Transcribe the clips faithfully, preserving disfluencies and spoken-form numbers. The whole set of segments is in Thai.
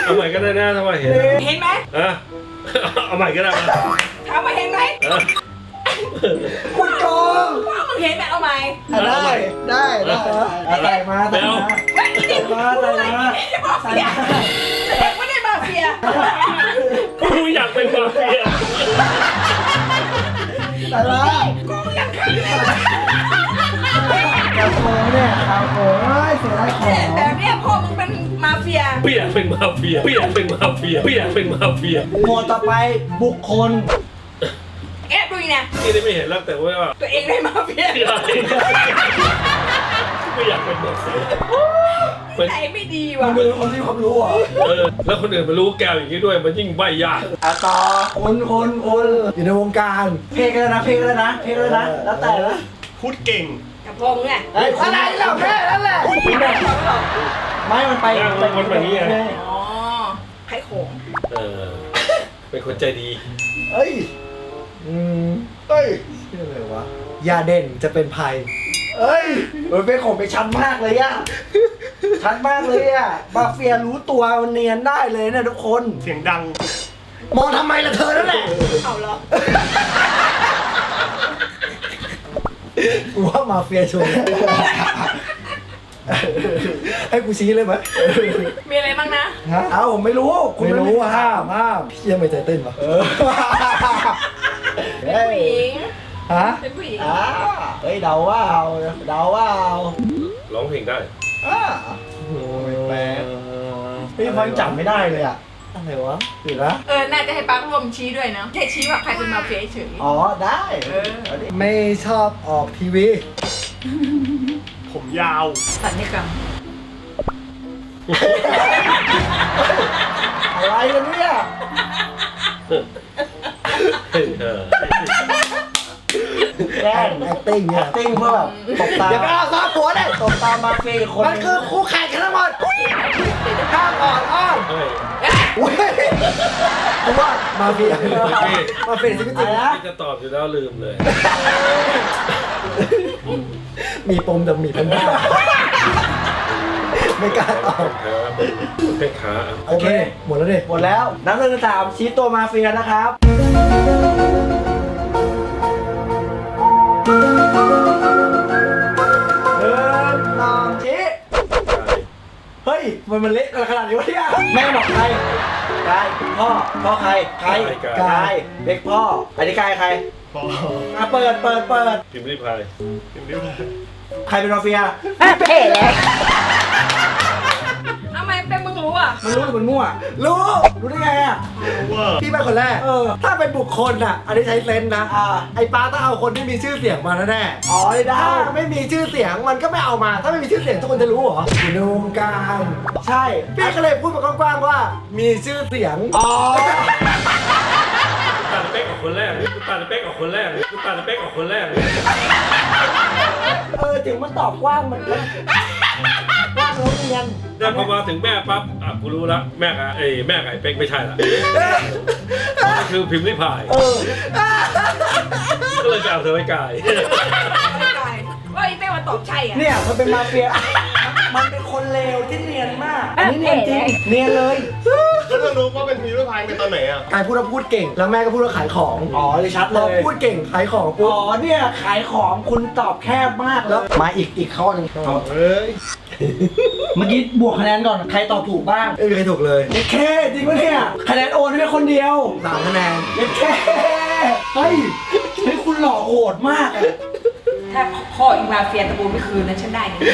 เอาใหม่ก็ได้นะถ้าว่าเห็นเห็นไหมเออเอาใหม่ก็ได้มาถามว่าเห็นไหมเออคุณโกงว่ามึงเห็นไหมเอาไหมได้ได้ได้ใส่มาใส่มาเฮ้ยนี่ใส่มาใส่มามาเฟียเด็กไม่ได้มาเฟียกูอยากเป็นมาเฟียใส่มากูอยากขึ้นเลยกระโปรงเนี่ยกระโปรงเฮ้ยเสียดายของแบบเนี้ยพ่อมึงเป็นมาเฟียพี่อยากเป็นมาเฟียพี่อยากเป็นมาเฟียพี่อยากเป็นมาเฟียหมวดต่อไปบุคคลแอบดูอีกนะนี่ได้ไม่เห็นแล้วแต่ว่าตัวเองได้มาเฟียไม่อยากไม่อยากเป็นมาเฟียเป็นใจไม่ดีมัว่ะนเป็นคนที่ความรู้อ่ะเออแล้วคนอื่นมารู้แกวอย่างนี้ด้วยมันยิ่งใบยากอ่ะต่อคนคนคนอยู่ในวงการเพลงกันนะเพลงกันนะเพลงกันนะแล้วแต่ละพูดเก่งกับพ่อมึงอ่ะไอ้อะไรเราแค่นั้นแหละไม่มันไปมันแบบนี้ไงอ๋อไข่โขงเออเป็นคนใจดีเอ้ยอืมเอ้ยชื่ออะไรวะยาเด่นจะเป็นภัยเอ้ยมันเป็นของไปชัดมากเลยอะชัดมากเลยอะมาเฟียรู้ตัวมันเนียนได้เลยนะทุกคนเสียงดังมองทำไมล่ะเธอนั่นแหละเอาเหรอกูว่ามาเฟียชวนให้กูชี้เลยไหมมีอะไรบ้างนะฮะเอ้าผมไม่รู้คุณไม่รู้ห้ามห้ามพี่ยังไม่ใจเต้นปะเป็นผู้หญิงฮะเป็นผู้หญิงอ่าเฮ้ยเดาว่าเอาเดาว่าเอาร้องเพลงได้อ่าโอ้ยแปลกพี่ฟังจำไม่ได้เลยอะอะไรวะเดี๋ยวนะเออ น่าจะให้ปักร่วมชี้ด้วยเนาะแค่ชี้ว่าใครเป็นมาเฟียเฉยอ๋อได้เออไม่ชอบออกทีวีผมยาวสัญญกรรมอะไรกันเนี่ยเออแกล้ง acting เนี่ย acting เพื่อแบบตบตาอย่าไปเอาซอฟหัวเลยตบตามาเฟียคนมันคือคู่แข่งกันทั้งหมดห้ามอ่อนอ้อนเฮ้ยอุ้ยกูว่ามาเฟียมาเฟียชีวิตจริงนะที่จะตอบอยู่แล้วลืมเลยมีปมแต่มีพันด้าไม่กล้าตอบครับเพชรขาโอเค หมดแล้วดิหมดแล้วนับหนึ่งสามชี้ตัวมาเฟียนะครับหนึ่งสองชี้เฮ้ยมันมันเละขนาดนี้วะเนี่ยแม่บอกใครกายพ่อพ่อใครใครกายเด็กพ่ออันนี้กายใครพออ่ะเปิดเปิดเปิดพิมพ์รีพายพิมพ์นิ้วเลยใครเป็นมาเฟียเท่แล้วทำไมเป็นมึงรู้อ่ะมันรู้หรือมันมั่วรู้รู้ได้ไงอ่ะว่าพี่เป็นคนแรกเออถ้าเป็นบุคคลอ่ะ อันนี้ใช้เซนส์นะอ่าไอ้ป้าต้องเอาคนที่มีชื่อเสียงมาแน่ๆอ๋อได้ถ้าไม่มีชื่อเสียงมันก็ไม่เอามา ถ้าไม่มีชื่อเสียงทุกคนจะรู้เหรออยู่ในวงการใช่พี่ก็เลยพูดมากว้างๆว่า มีชื่อเสียงอ๋อตัดเป๊กออกคนแรกกูตัดเป๊กออกคนแรกกูตัดเป๊กออกคนแรกเออถึงมันตอบกว้างมันกว้างแล้วเรียนแต่พอมาถึงแม่ปั๊บอ่ะกูรู้ละแม่กับไอ้แม่กับไอ้เป๊กไม่ใช่ละมันคือพิมพ์รีพายเออก็เลยไปเอาเธอไว้กายว่าไอ้เป้มาตอบใช่อ่ะเนี่ยมันเป็นมาเฟียมันเป็นคนเลวที่เนียนมากอันนี้เนียนจริงเนียนเลยแล้วจะรู้ว่าเป็นพิมพ์นิ้วพายเป็นตอนไหนอ่ะกายพูดว่าพูดเก่ง แล้วแม่ก็พูดว่าขายของ อ๋อเลยชัดเลยพูดเก่งขายของปุ๊บอ๋อเนี่ยขายของคุณตอบแคบมากแล้ว มาอีกอีกข้อหนึงเอ้ยเมื่อกี้บวกคะแนนก่อน ใครตอบถูกบ้างไม่มีใครถูกเลยเด็ดแค่จริงปะเนี่ย คะแนนโอนให้คนเดียวสามคะแนนเด็ดแค่เฮ้ยเฮ้ยคุณหล่อโหดมากอะถ้าพ่ออีมาเฟียตะบูนไม่คืนนะฉันได้เนี่ย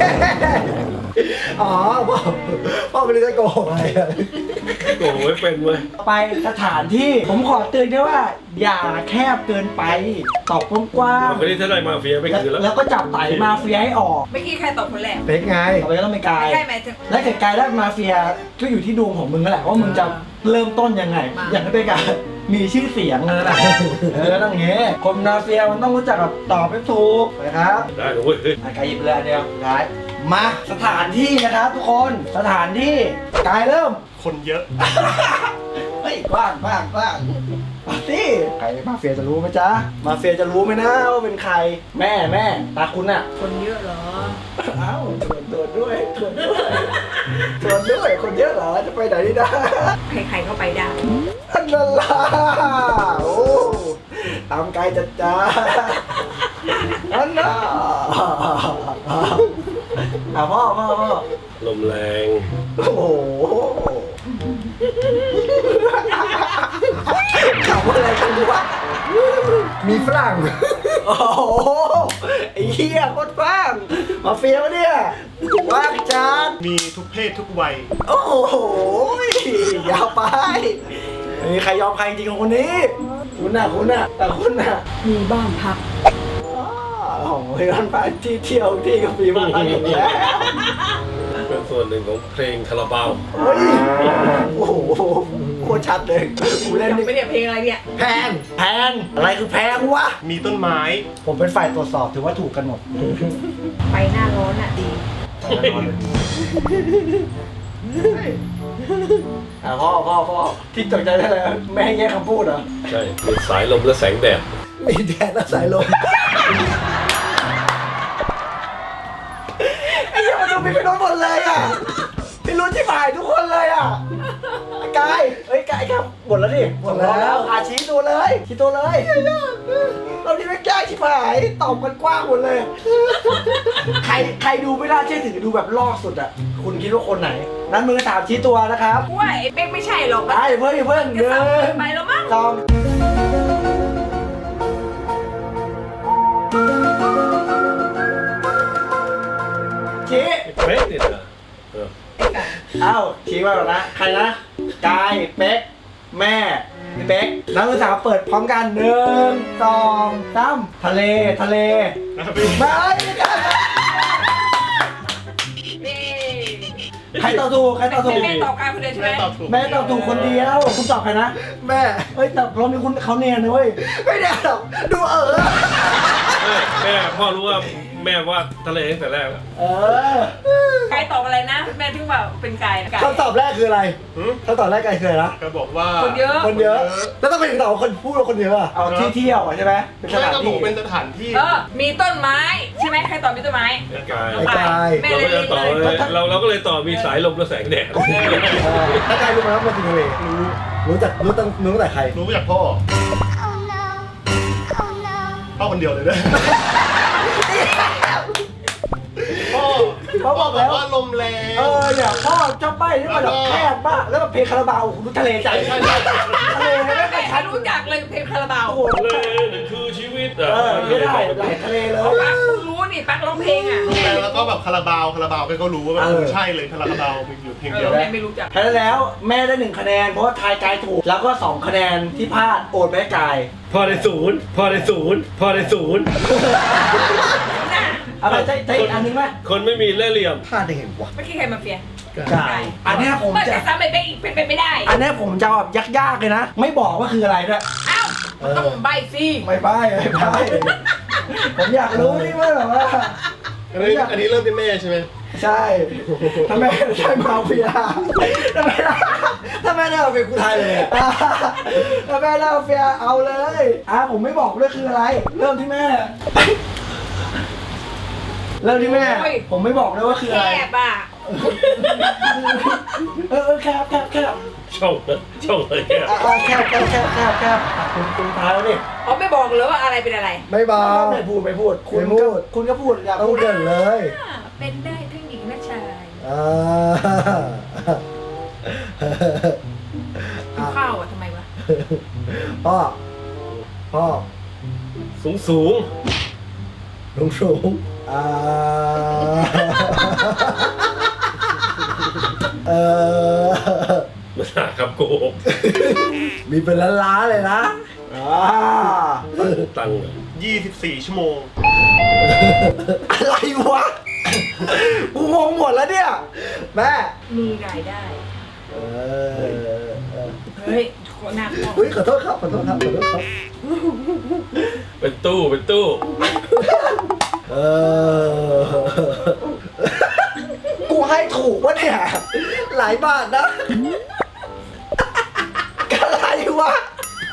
อ๋อพ่อพ่อไม่ได้จะโกหกอะไรอะโอ้โหไม่เป็นเว้ยไปสถานที่ผมขอเตือนด้วยว่า อย่าแคบเกินไปตอบกว้างคนนี้ถ้าได้มาเฟียไม่ๆแล้วคือแล้วแล้วก็จับไต่มาเฟียให้ออกเมื่อกี้ใครตอบคนแรกเป๊กไงต่อไปก็ต้องเป็นกายใช่ไหมถึงและเกิดกายได้มาเฟียก็อยู่ที่ดวงของมึงนั่นแหละว่ามึงจะเริ่มต้นยังไงมาอย่างที่เป็นการมีชื่อเสียงเลยนะเออต้องอย่างงี้คนมาเฟียมันต้องรู้จักแบบตอบให้ถูกนะครับได้เลยเว้ยเฮ้ยอ่ะกายหยิบเลยอันเดียวกายมาสถานที่นะครับทุกคนสถานที่กายเริ่มคนเยอะเฮ้ยกว้างกว้างกว้างมาสิใครมาเฟียจะรู้ไหมจ๊ะมาเฟียจะรู้ไหมนะว่าเป็นใครแม่แม่ตาคุณอะคนเยอะเหรอเอ้าตรวจตรวจด้วยตรวจด้วยชวนด้วยคนเยอะเหรอจะไปไหนดีนะใครๆก็ไปได้อันนั้นล่ะโอ้ตามไกลจัดจ้าอันน่ะอ่ะพ่อพ่อพ่อลมแรงโอ้โหข่าวอะไรกันดูวะมีฝรั่งโอ้โหไอ้เหี้ยโคตรฝรั่งมาเฟียวะเนี่ยว่างจานมีทุกเพศทุกวัยโอ้โหยาวไปไม่มีใครยอมใครจริงของคนนี้คุณน่ะคุณน่ะแต่คุณน่ะมีบ้านพักอ๋อของเพื่อนไปที่เที่ยวที่กระบี่บ้านพักอย่างเงี้ยเป็นส่วนหนึ่งของเพลงคาราบาวเฮ้ยโอ้โหโคตรชัดเลยกูเล่นจำนี่ไม่ได้เพลงอะไรเนี่ยแพงแพงอะไรคือแพงวะมีต้นไม้ผมเป็นฝ่ายตรวจสอบถือว่าถูกกันหมดไปหน้าร้อนอ่ะดีอ่ะพ่อพ่อพ่อที่ตกใจได้เลยแม่ให้แยกคำพูดเหรอใช่มีสายลมและแสงแดดมีแดดและสายลมไอ้เหี้ยมันดูมีเป็นรถหมดเลยอ่ะพี่รู้ที่ฝ่ายทุกคนเลยอ่ะกายเฮ้ยกายครับหมดแล้วดิหมดแล้วอาชี้ตัวเลยชี้ตัวเลยเราที่ไม่แก้ชิบหายตอบกันกว้างหมดเลย ใครใครดูไม่น่าเชื่อถือดูแบบลอกสุดอ่ะคุณคิดว่าคนไหน นั้นมือถามชี้ตัวนะครับว่าไอ้เป๊กไม่ใช่หรอกได้เพื่อนเพื่อนจะเดิซ้ำเกินนไปแล้วมั้งสองชี้เป๊ะเนี่ยนะเออเอ้าชี้มาก่อนนะ ใครนะ กาย เป๊ก แม่พี่เป๊กนักศึกษาเปิดพร้อมกันหนึ่งสองสามทะเล ทะเลไม่ไม่ได้นี่ใครตอบถูก ใครตอบถูกแม่ตอบการคนเดียวใช่ไหมแม่ตอบถูกแม่ตอบถูกคนเดียว คุณตอบใครนะ แม่ เฮ้ยแต่รอบนี้คุณเขาเนียนนะเว้ย ไม่ได้หรอก ดูเออเอ้ยแม่พ่อรู้ว่าแม่ว่าทะเลตั้งแต่แรกแล้วเออใครตอบอะไรนะ แม่ถึงแบบเป็นไก่ไก่คำตอบแรกคืออะไรหืมคำตอบแรกคืออะไรนะก็บอกว่าคนเยอะคนเยอะ แล้วต้องเป็นตอบว่าคนพูดว่าคนเยอะอะเอาที่เที่ยวอะใช่ไหมเป็นสแม่ถานก็บอที่กเป็นสถานที่เออ มีต้นไม้ใช่ไหมใครตอบมีต้นไม้ไอ้กายไอ้กายแม่เราเลก็ยจะเลยต่อเลยเราเราก็เลยต่อมีสายลมและแสงแดดเออถ้าใครรู้ไหมว่ามันคือทะเลรู้รู้จักรู้ตั้งรู้ตั้งแต่ใครรู้จากพ่อ พ่อคนเดียวเลยด้วยพ่อเขาบอกแล้วว่าลมแรงเออเนี่ยพ่อเจ้าใบ้ที่มันแบบแคบมากแล้วแบบเพลงคาราบาวรู้ทะเลใจใช่ใช่ใช่ทะเลไม่ไม่ได้ใครชัดรู้จักเลยเพลงคาราบาวโอ้โหทะเลนี่คือชีวิตเออไม่ได้ไหลทะเลเลยปักรู้นี่ปักร้องเพลงอ่ะแล้วก็แบบคาราบาวคาราบาวก็รู้ว่าแบบเออใช่เลยคาราบาวมีอยู่เพลงเอเดียอวแม่ไม่รู้จักแพ้แล้วแม่ได้หนึ่งคะแนนเพราะว่าทายกายถูกแล้วก็สองคะแนนที่พลาดโอนไปให้กายพ่อได้ศูนย์พ่อได้ศูนย์พ่อได้ศูนย์อะไรใจใจอีกอันนึงไหมคนไม่มีเล่ห์เหลี่ยมพลาดได้ไงวะไม่คิดใครมาเฟียกายอันเนี้ยผมเมื่อจะแต่ซ้ำไปเป็นอีกเป็นไปไม่ได้อันเนี้ยผมจะแบบยากๆเลยนะ ไม่บอกว่าคืออะไรด้วยอ้าวมันต้องใบสิไม่ใบ้ไม่ใบ้ผมอยากรู้นี่ว่าแบบว่าอันนี้อันนี้เริ่มเป็นแม่ใช่ไหมใช่ถ้าแม่ใช่มาเฟียถ้าแม่ถ้าแม่ได้มาเฟียกูไทยเลยอะถ้าแม่ได้มาเฟียเอาเลยอ่ะผมไม่บอกด้วยคืออะไร เริ่มที่แม่ เริ่มที่แม่ ผมไม่บอกด้วยว่าคือแคอะไรบอ่ะเออเออแคบแคบแคบช่องช่องเลยแค่อ่ะอ่ะแคบแคบแคบแคบแคบอ่ะคุณคุณท้ายแล้วดิเขาไม่บอกเลยว่าอะไรเป็นอะไรไม่บอกไม่พูดไม่พูดคุณก็คุณก็พูดอยากพูดเกินเลยอ่าเป็นได้ทั้งหญิงและชายอ่ากินข้าวอ่ะทำไมวะพ่อ พ่อสูงสูงลุงสูงอ่าเออมาหาคำโกหกมีเป็นล้านๆเลยนะอ่าตังค์ยี่สิบสี่ชั่วโมงอะไรวะ กูงงหมดแล้วเนี่ย แม่มีรายได้เออเฮ้ยโคตรน่ากลัวเฮ้ยขอโทษครับ ขอโทษครับ ขอโทษครับเป็นตู้เป็นตู้เออ กูให้ถูกวะเนี่ย หลายบาทนะ อะไรวะ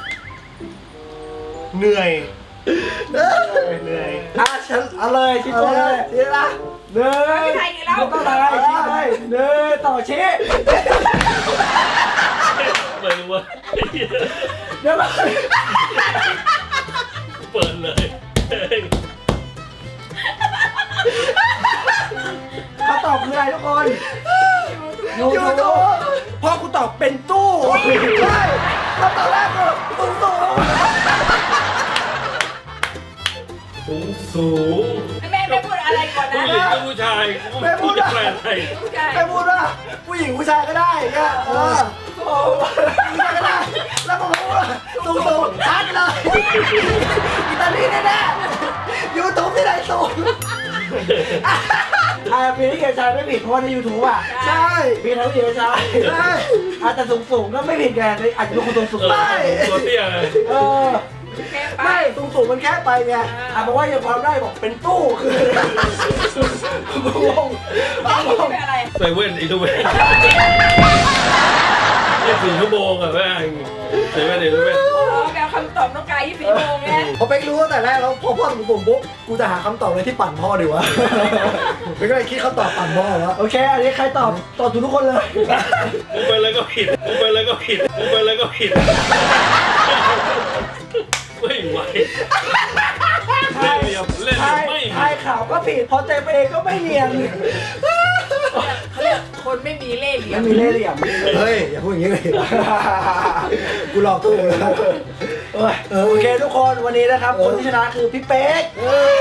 เหนื่อยเออเหนื่อยอ่ะฉันเอาเลยชิ้นตัวเลยชิ้นละหหนึ่งไม่ใช่กี่แล้วไม่ต้องอะไรชี้เลยหนึ่งต่อชี้ไม่รู้ว่าเดี๋ยวมาเปิดเลยคำตอบคืออะไรทุกคนยูทูบพอกูตอบเป็นตู้ใช่คำตอบแรกคือตู้ตู้สูงสูงแม่ไม่พูดอะไรก่อนนะผู้หญิงกับผู้ชายกูไม่พูดจะแปลอะไรผู้ชายไม่พูดว่าผู้หญิงผู้ชายก็ได้เนี่ยเออโอ้ผู้ชายก็ได้แล้วผมพูดว่าตู้ตู้ชัดเลยอิตาลีแน่ๆยูทูบที่ไหนสูงอ่าปีนี้เกียรติชายไม่ผิดเพราะว่าในยูทูบอ่ะใช่ปีทั้งเกียรติชายใช่อาจจะสูงสูงก็ไม่ผิดแกอาจจะเป็นคนสูงสูงเออไม่ตัวเตี้ยเลยเออแค่ไปไม่สูงสูงมันแค่ไปไงอ่ะบอกว่ายังความได้บอกเป็นตู้คืองงไม่เป็นอะไรใส่เว้นอีกทุกเว้นยี่สิบสี่ชั่วโมงอะแม่งใส่เว้นอีกทุกเว้นโอ้แมวคำตอบน้องกายยี่สิบสี่โมงไงพอไปรู้ตั้งแต่แรกแล้วพอพ่อสูงสูงปุ๊บกูจะหาคำตอบเลยที่ปั่นพ่อดีวะไม่ก็เลยคิดคำตอบปั่นพ่อแล้วโอเคอันนี้ใครตอบตอบถูกทุกคนเลยกูไปแล้วก็ผิดกูไปแล้วก็ผิดกูไปแล้วก็ผิดไม่ไหวเล่นเหลี่ยมเล่นเหลี่ยมไม่ทายข่าวก็ผิดพอเต็มเองก็ไม่เนียนเขาเรียกคนไม่มีเล่ห์เหลี่ยไม่มมีเล่ห์เหลี่ยมเฮ้ยอย่าพูดอย่างนี้เลยกูหลอกตู้เลยโอเคทุกคนวันนี้นะครับคนที่ชนะคือพี่เป๊ก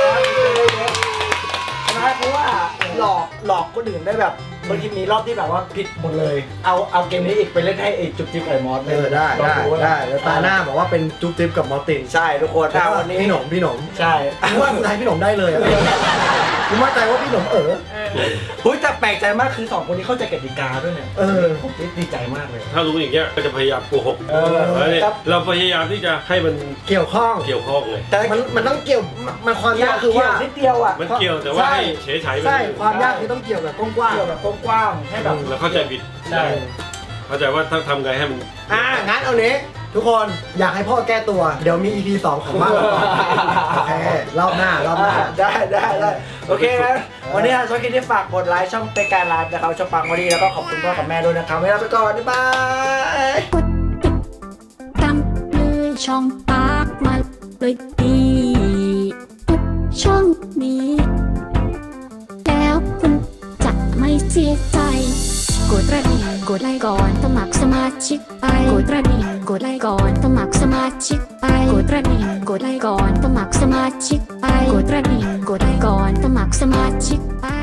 ชนะเพราะว่าหลอกหลอกคนอื่นได้แบบบางทีมีรอบที่แบบว่าผิดหมดเลย เอาเอาเกมนี้อีกไปเล่นให้ไอ้จุ๊บจิ๊บไอ้มอสเออได้ได้ได้แล้วตาหน้าบอกว่าเป็นจุ๊บจิ๊บกับมอสตินใช่ทุกคนถ้าวันนี้พี่หนมพี่หนมใช่ว่าคุณทายพี่หนมได้เลยผมมั่นใจว่าพี่หนมเออเฮ้ยแต่แปลกใจมากคือสองคนนี้เข้าใจกติกาด้วยเนี่ยเออผมดีใจมากเลยถ้ารู้อย่างเงี้ยก็จะพยายามโกหกเออแล้วเนี่ยเราพยายามที่จะให้มันเกี่ยวข้องเกี่ยวข้องเลยแต่มันมันต้องเกี่ยวมันความยากคือว่านิดเดียวอ่ะมันเกี่ยวแต่ว่าให้เฉยๆไปใช่ความยากคือต้องเกี่ยวแบบกว้างๆเกี่ยวแบบกว้างๆให้แบบแล้วเข้าใจผิดใช่เข้าใจว่าถ้าทำไงให้มันอ่างั้นเอาเนี้ทุกคนอยากให้พ่อแก้ตัวเดี๋ยวมี อี พี สองของบ้านเราก่อนโอเครอบหน้ารอบหน้าได้ได้ได้โอเคนะวันนี้ช่วยคิดที่ฝากกดไลค์ช่องเตการไลฟ์นะครับช่องปังวันนี้แล้วก็ขอบคุณพ่อกับแม่ด้วยนะครับไม่ลาไปก่อนบ๊ายบายตามเลยช่องปากมาเลยดีทุกช่องนี้ แล้วคุณจะไม่เสียใจกดกระดิ่งกดไลค์ก่อนสมัครสมาชิกไปกดกระดิ่งกดไลค์ก่อนสมัครสมาชิกไปกดกระดิ่งกดไลค์ก่อนสมัครสมาชิกไปกดกระดิ่งกดไลค์ก่อนสมัครสมาชิกไป